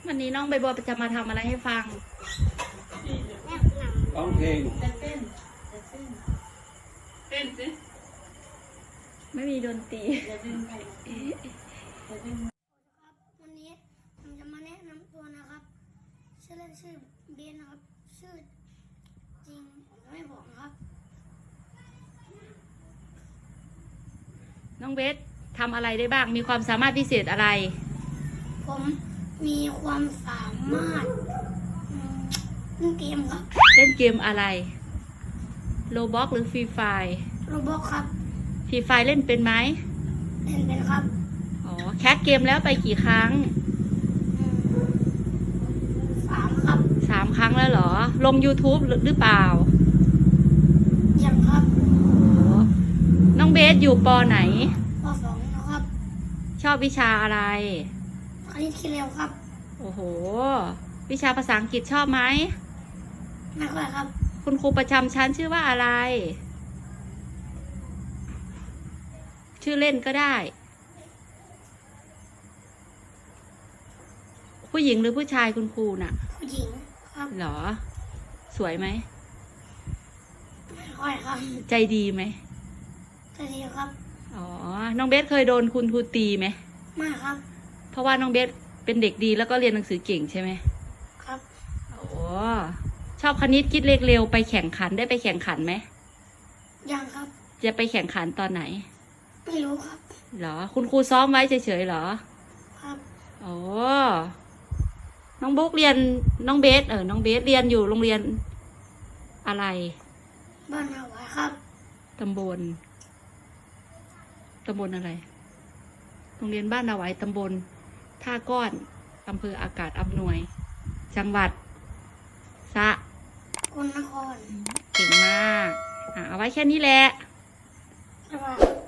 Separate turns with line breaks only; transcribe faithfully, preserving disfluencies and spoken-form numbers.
วันนี้น้องใบบัวจะมาทำอะไรให้ฟัง
ร้องเพลง
เต้นเต้นเต้นสิ
ไม่มีดนตรี
จะเต้นไปจะเต้น
ครับวันนี้ผมจะมาแนะนำตัวนะครับชื่อเล่นชื่อเบนนะครับชื่อจริงผมจะไม่บอกนะครับ
น้องเบสทำอะไรได้บ้างมีความสามารถพิเศษอะไร
ผมมีความสามารถเล่นเกมครับ
เล่นเกมอะไรโรบล็อกหรือฟรีไฟ
โรบอทครับ
ฟรีไฟเล่นเป็นไหม
เล่นเป็นครับ
อ๋อแคสเกมแล้วไปกี่ครั้ง
สามครับ
สามครั้งแล้วเหรอลง YouTube หรือเปล่า
ยังครับ
น้องเบสอยู่ปอไหน
ปสองนะครับ
ชอบวิชาอะไร
คณิตคิดเร็วครับ
โอ้โหวิชาภาษาอังกฤษชอบไหม
ไม่ค่อยครับ
คุณครูประจำชั้นชื่อว่าอะไรชื่อเล่นก็ได้ผู้หญิงหรือผู้ชายคุณครูน่ะ
ผู้หญิงครับ
เหรอสวยไหม
ไม่ค่อยครับ
ใจดีไหม
ใจดีครับ
อ๋อน้องเบสเคยโดนคุณครูตีไหม
ไม่ครับ
เพราะว่าน้องเบสเป็นเด็กดีแล้วก็เรียนหนังสือเก่งใช่ไหม
ครับ
โอ้ชอบคณิตคิดเลขเร็วไปแข่งขันได้ไปแข่งขันไหม
ยังครับ
จะไปแข่งขันตอนไหน
ไม่รู้ครับ
เหรอคุณครูซ้อมไว้เฉยๆเหรอ
ครับ
โอ้น้องบุ๊กเรียนน้องเบสเออน้องเบสเรียนอยู่โรงเรียนอะไร
บ้านนาหวายครับ
ตำบลตำบลอะไรโรงเรียนบ้านนาหวายตำบลท่าก้อนอำเภออากาศอำนวยจังหวัดสะ
กลนคร
เก่งมากอ่ะเอาไว้แค่นี้แหละ
บ๊ายบาย